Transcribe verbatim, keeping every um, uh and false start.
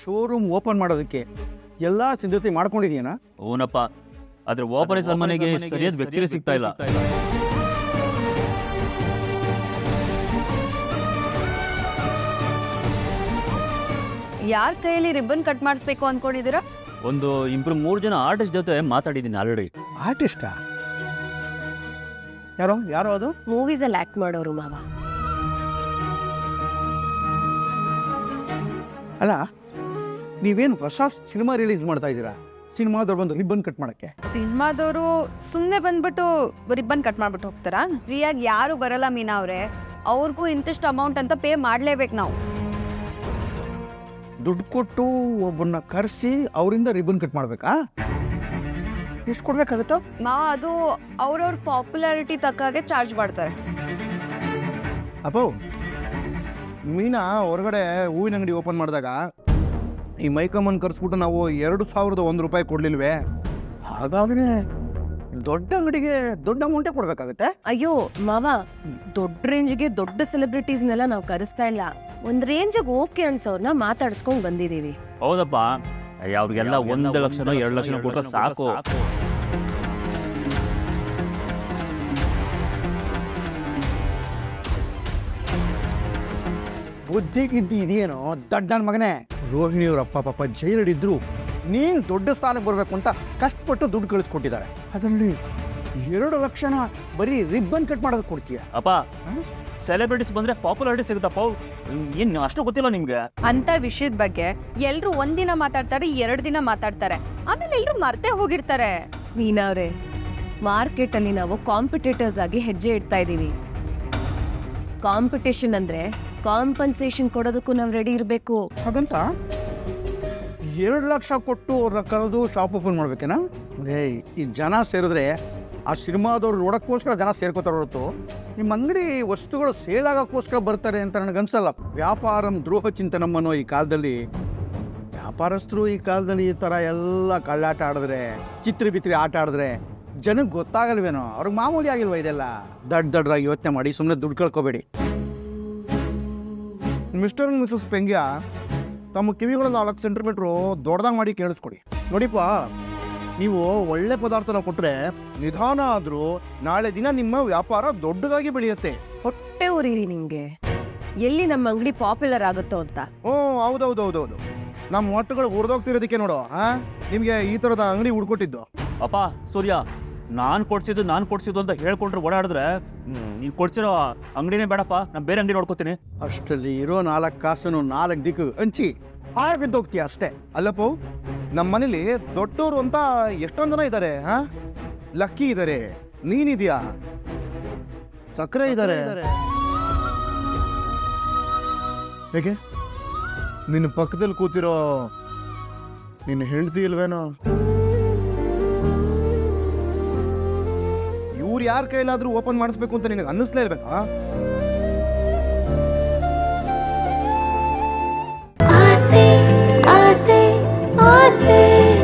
Showroom open ಮಾಡೋದಕ್ಕೆ ಎಲ್ಲ ಸಿದ್ಧತೆ ಮಾಡ್ಕೊಂಡಿದೀಯನಾ? ಓನಪ್ಪ, ಆದ್ರೆ ಓಪನ್ ಸನ್ಮಾನಿಗೆ ಸರಿಯಾದ ವ್ಯಕ್ತಿಗೆ ಸಿಗ್ತಾ ಇಲ್ಲ. ಯಾರ ಕೈಯಲ್ಲಿ ರಿಬ್ಬನ್ ಕಟ್ ಮಾಡಿಸ್ಬೇಕು ಅನ್ಕೊಂಡಿದ್ದೀರಾ? ಒಂದು ಇಬ್ರು ಮೂರು ಜನ ಆರ್ಟಿಸ್ಟ್ ಜೊತೆ ಮಾತಾಡಿದ್ದೀನಿ ಆಲ್ರೆಡಿ. ಆರ್ಟಿಸ್ಟಾ? ಯಾರೋ ಯಾರೋ ಅದು? ಮೂವೀಸ್ ಅಲ್ಲಿ ಆಕ್ಟ್ ಮಾಡೋರು ಮಾವ. ಅಲ್ಲ, ನೀವೇನು ಹೊಸ ಸಿನಿಮಾ ರಿಲೀಸ್ ಮಾಡ್ತಾ ಇದ್ದೀರಾ? ಸಿನಿಮಾದವ್ರು ಬಂದು ರಿಬ್ಬನ್ ಕಟ್ ಮಾಡಕ್ಕೆ? ಸಿನಿಮಾದವರು ಸುಮ್ಮನೆ ಬಂದ್ಬಿಟ್ಟು ರಿಬ್ಬನ್ ಕಟ್ ಮಾಡ್ಬಿಟ್ಟು ಹೋಗ್ತಾರಾ? ಫ್ರೀಯಾಗಿ ಯಾರು ಬರಲ್ಲ ಮೀನಾ ಅವ್ರೆ. ಅವ್ರಿಗೂ ಇಂತಿಷ್ಟು ಅಮೌಂಟ್ ಅಂತ ಪೇ ಮಾಡ್ಲೇಬೇಕು ನಾವು. ದುಡ್ಡು ಕೊಟ್ಟು ಒಬ್ಬನ್ನ ಕರೆಸಿ ಅವರಿಂದ ರಿಬ್ಬನ್ ಕಟ್ ಮಾಡ್ಬೇಕಾ? ಎಷ್ಟು ಕೊಡ್ಬೇಕಾಗತ್ತೋ? ಮಾ ಅದು ಅವ್ರವ್ರ ಪಾಪ್ಯುಲಾರಿಟಿ ತಕ್ಕಾಗೆ ಚಾರ್ಜ್ ಮಾಡ್ತಾರೆ. ಅಪ್ಪೋ, ಮೀನಾ ಹೊರಗಡೆ ಹೂವಿನ ಅಂಗಡಿ ಓಪನ್ ಮಾಡಿದಾಗ ಈ ಮೈಕಮ್ಮನ್ ಕರ್ಸ್ಬಿಟ್ಟು ನಾವು ಎರಡು ಸಾವಿರದ ಒಂದು ರೂಪಾಯಿ ಕೊಡ್ಲಿಲ್ವೇ? ಹಾಗಾದ್ರೆ ದೊಡ್ಡ ಅಂಗಡಿಗೆ ದೊಡ್ಡ ಅಮೌಂಟೇ ಕೊಡ್ಬೇಕಾಗತ್ತೆ. ಅಯ್ಯೋ ಮಾವ, ದೊಡ್ಡ ರೇಂಜ್ಗೆ ದೊಡ್ಡ ಸೆಲೆಬ್ರಿಟೀಸ್ನೆಲ್ಲ ನಾವು ಕರೆಸ್ತಾ ಇಲ್ಲ. ಒಂದ್ ರೇಂಜಿಗೆ ಓಕೆ ಅನ್ಸೋರ್ನ ಮಾತಾಡ್ಸ್ಕೊಂಡ್ ಬಂದಿದೀವಿ. ಹೌದಪ್ಪ, ಅವ್ರಿಗೆಲ್ಲ ಒಂದು ಲಕ್ಷನೋ ಎರಡು ಲಕ್ಷನೋ ಕೊಟ್ಟರೆ ಸಾಕು. ಬುದ್ಧಿಗಿದ್ದಿ ಇದೆಯೇನೋ ದಡ್ಡನ ಮಗನೇ. ರೋಹಿಣಿಯವ್ರ ಅಪ್ಪ ಪಾಪ ಜೈಲಲ್ಲಿದ್ರು ನೀನು ದೊಡ್ಡ ಸ್ಥಾನಕ್ಕೆ ಬರಬೇಕು ಅಂತ ಕಷ್ಟಪಟ್ಟು ದುಡ್ಡು ಕಳಿಸ್ಕೊಟ್ಟಿದ್ದಾರೆ. ಅದರಲ್ಲಿ ಎರಡು ಲಕ್ಷನ ಬರೀ ರಿಬ್ಬನ್ ಕಟ್ ಮಾಡೋದಕ್ಕೆ ಕೊಡ್ತೀಯ? ಅಪ್ಪ, ಸೆಲೆಬ್ರಿಟೀಸ್ ಬಂದ್ರೆ ಪಾಪ್ಯುಲಾರಿಟಿ ಸಿಗುತ್ತಪ್ಪ. ಏನು ಅಷ್ಟು ಗೊತ್ತಿಲ್ಲ ನಿಮ್ಗೆ? ಅಂತ ವಿಷಯದ ಬಗ್ಗೆ ಎಲ್ರು ಒಂದಿನ ಮಾತಾಡ್ತಾರೆ, ಎರಡು ದಿನ ಮಾತಾಡ್ತಾರೆ, ಆಮೇಲೆ ಎಲ್ರು ಮರ್ತೇ ಹೋಗಿರ್ತಾರೆ. ಮೀನಾ ಅವ್ರೆ, ಮಾರ್ಕೆಟ್ ಅಲ್ಲಿ ನಾವು ಕಾಂಪಿಟೇಟರ್ಸ್ ಆಗಿ ಹೆಜ್ಜೆ ಇಡ್ತಾ ಇದೀವಿ. ಕಾಂಪಿಟೇಷನ್ ಅಂದ್ರೆ ಕಾಂಪನ್ಸೇಷನ್ ಕೊಡೋದಕ್ಕೂ ನಾವು ರೆಡಿ ಇರಬೇಕು. ಹಾಗಂತ ಎರಡು ಲಕ್ಷ ಕೊಟ್ಟು ಅವ್ರನ್ನ ಕರೆದು ಶಾಪ್ ಓಪನ್ ಮಾಡ್ಬೇಕೇನಾ? ಅದೇ ಈ ಜನ ಸೇರಿದ್ರೆ ಆ ಸಿನಿಮಾದವ್ರು ನೋಡೋಕ್ಕೋಸ್ಕರ ಜನ ಸೇರ್ಕೋತಾರೆ ಹೊರತು ನಿಮ್ಮ ಅಂಗಡಿ ವಸ್ತುಗಳು ಸೇಲ್ ಆಗೋಕ್ಕೋಸ್ಕರ ಬರ್ತಾರೆ ಅಂತ ನನಗನ್ಸಲ್ಲ. ವ್ಯಾಪಾರಂ ದ್ರೋಹ ಚಿಂತನಂ ಅನ್ನೋ ಈ ಕಾಲದಲ್ಲಿ ವ್ಯಾಪಾರಸ್ಥರು ಈ ಕಾಲದಲ್ಲಿ ಈ ಥರ ಎಲ್ಲ ಕಳ್ಳಾಟ ಆಡಿದ್ರೆ, ಚಿತ್ರ ಬಿತ್ರಿ ಆಟ ಆಡಿದ್ರೆ ಜನಕ್ಕೆ ಗೊತ್ತಾಗಲ್ವೇನೋ? ಅವ್ರಿಗೆ ಮಾಮೂಲಿ ಆಗಿಲ್ವ ಇದೆಲ್ಲ? ದಡ್ಡ ದಡ್ಡರಾಗಿ ಯೋಚನೆ ಮಾಡಿ ಸುಮ್ಮನೆ ದುಡ್ಡು ಕಳ್ಕೊಬೇಡಿ. ಮಿಸ್ಟರ್ ಮಿಸಸ್ ಪೆಂಗ್ಯ, ತಮ್ಮ ಕಿವಿಗಳು ನಾಲ್ಕು ಸೆಂಟಿಮೀಟ್ರು ದೊಡ್ಡದಾಗಿ ಮಾಡಿ ಕೇಳಿಸ್ಕೊಡಿ. ನೋಡಿಪ್ಪ, ನೀವು ಒಳ್ಳೆ ಪದಾರ್ಥನ ಕೊಟ್ಟರೆ ನಿಧಾನ ಆದರೂ ನಾಳೆ ದಿನ ನಿಮ್ಮ ವ್ಯಾಪಾರ ದೊಡ್ಡದಾಗಿ ಬೆಳೆಯುತ್ತೆ. ಹೊಟ್ಟೆ ಉರಿರಿ ನಿಮ್ಗೆ. ಎಲ್ಲಿ ನಮ್ಮ ಅಂಗಡಿ ಪಾಪ್ಯುಲರ್ ಆಗುತ್ತೋ ಅಂತ. ಹ್ಞೂ, ಹೌದೌದೌದೌದು. ನಮ್ಮ ಮೊಟ್ಟಗಳು ಉರಿದೋಗ್ತಿರೋದಕ್ಕೆ ನೋಡು, ಹಾಂ ನಿಮಗೆ ಈ ಥರದ ಅಂಗಡಿ ಹುಡ್ಕೊಟ್ಟಿದ್ದು. ಅಪ್ಪ ಸೂರ್ಯ, ನಾನು ಕೊಡ್ಸಿದ್ದು ನಾನು ಕೊಡ್ಸಿದ್ದು ಅಂತ ಹೇಳ್ಕೊಂಡ್ರೆ ಓಡಾಡಿದ್ರೆ ನೀವು ಕೊಡ್ಸಿರೋ ಅಂಗಡಿನೇ ಬೇಡಪ್ಪ, ನಾನು ಬೇರೆ ಅಂಗಡಿ ನೋಡ್ಕೋತೀನಿ. ಅಷ್ಟರಲ್ಲಿ ಇರೋ ನಾಲ್ಕು ಕಾಸನ್ನು ನಾಲ್ಕು ದಿಕ್ಕು ಹಂಚಿ ಹಾಳು ಬಿದ್ದೋಗ್ತೀಯ ಅಷ್ಟೇ. ಅಲ್ಲಪ್ಪ, ನಮ್ಮ ಮನೇಲಿ ದೊಡ್ಡವರು ಅಂತ ಎಷ್ಟೊಂದು ಜನ ಇದ್ದಾರೆ. ಹಾಂ, ಲಕ್ಕಿ ಇದ್ದಾರೆ, ನೀನಿದೆಯಾ, ಸಕ್ಕರೆ ಇದ್ದಾರೆ. ಹೇಗೆ ನಿನ್ನ ಪಕ್ಕದಲ್ಲಿ ಕೂತಿರೋ ನಿನ್ನ ಹೆಂಡತಿ ಇಲ್ವೇನೋ? ಇವ್ರು ಯಾರ ಕೈಲಾದ್ರೂ ಓಪನ್ ಮಾಡಿಸ್ಬೇಕು ಅಂತ ನಿನಗೆ ಅನ್ನಿಸ್ಲೇ ಇರ್ಬೇಕಾ? ಆಸೆ ಆಸೆ ಆಸೆ